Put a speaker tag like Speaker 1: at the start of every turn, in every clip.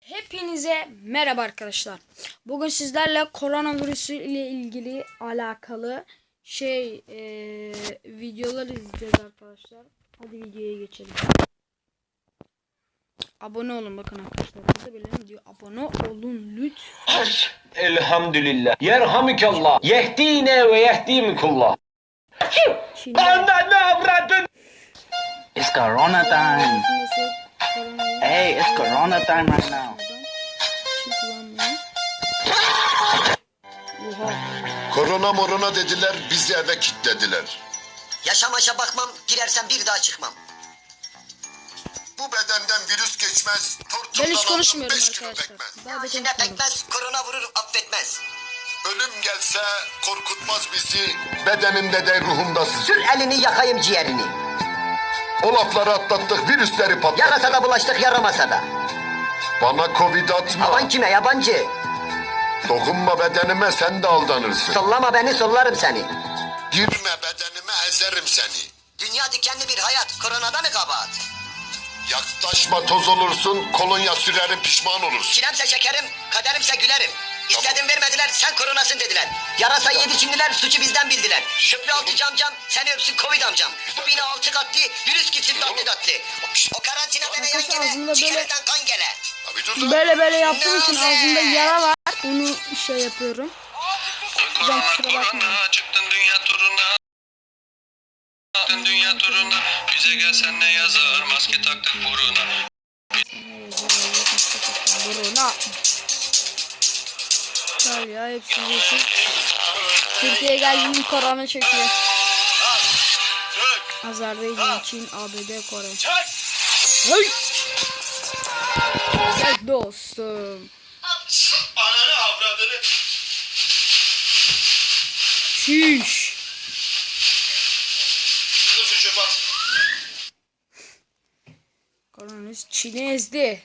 Speaker 1: Hepinize merhaba arkadaşlar. Bugün sizlerle koronavirüsü ile ilgili alakalı videolar izleyeceğiz arkadaşlar. Hadi videoya geçelim. Abone olun bakın arkadaşlar. Burada bile diyor abone olun lütfen.
Speaker 2: Elhamdülillah. Yerhamükallah. Yehdine ve yehdimikullah.
Speaker 1: Şimdi
Speaker 2: Ne avradın?
Speaker 3: It's Corona time. Hey, it's Corona time right now.
Speaker 4: Korona dediler, bizi eve kilitlediler.
Speaker 5: Yaşamaşa bakmam, girersem bir daha çıkmam.
Speaker 4: Bu bedenden virüs geçmez,
Speaker 1: Ben
Speaker 4: tortumdan
Speaker 1: hiç
Speaker 4: aldım
Speaker 1: konuşmuyorum
Speaker 4: 5 kilo
Speaker 1: arkadaşlar.
Speaker 4: pekmez.
Speaker 1: Daha da
Speaker 5: İçine
Speaker 1: konuşmuyorum.
Speaker 5: pekmez, korona vurur, affetmez.
Speaker 4: Ölüm gelse korkutmaz bizi, bedenimde de ruhumda
Speaker 5: Sür
Speaker 4: sizi.
Speaker 5: elini yakayım ciğerini.
Speaker 4: O lafları atlattık, virüsleri patlattık.
Speaker 5: Yarasa da bulaştık, yaramasa da.
Speaker 4: Bana covid atma,
Speaker 5: Aman kime yabancı?
Speaker 4: dokunma bedenime sen de aldanırsın.
Speaker 5: Sollama beni, sollarım seni.
Speaker 4: Girme bedenime ezerim seni.
Speaker 5: Dünya dikenli bir hayat, koronada mı kabahat?
Speaker 4: Yaklaşma toz olursun, kolonya sürerim pişman olursun.
Speaker 5: Çilemse şekerim, kaderimse gülerim. İstedim vermediler, sen koronasın dediler. Yarasayı yedi Çinliler, suçu bizden bildiler. Şükrü altı camcam, seni öpsün Covid amcam. Bu bina altı katlı, virüs gitsin tatlı tatlı. O karantina deme yan
Speaker 1: Arkadaşlar ağzında
Speaker 5: gele,
Speaker 1: böyle-
Speaker 5: ciğerinden kan gele.
Speaker 4: Abi dur lan.
Speaker 1: Böyle yaptığım için ağzımda yara var. Onu yapıyorum. Hocam kusura bakmayın.
Speaker 6: Çıktın dünya turuna. Çıktın dünya turuna. Bize gelsen ne yazar? Maske taktık buruna.
Speaker 1: Buruna. Gel ya hepsi yeşil. Türkiye'ye geldiğinde korona çekiyor. Azerbaycan, Çin, ABD, Kore. Hey! Evet dostum.
Speaker 4: Ananı avradını.
Speaker 1: Şiş. Koronavirüs Çin'i ezdi.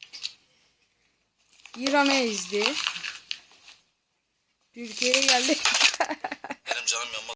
Speaker 1: İran'ı ezdi. Türkiye'ye geldi.
Speaker 6: Benim canım yanmaz.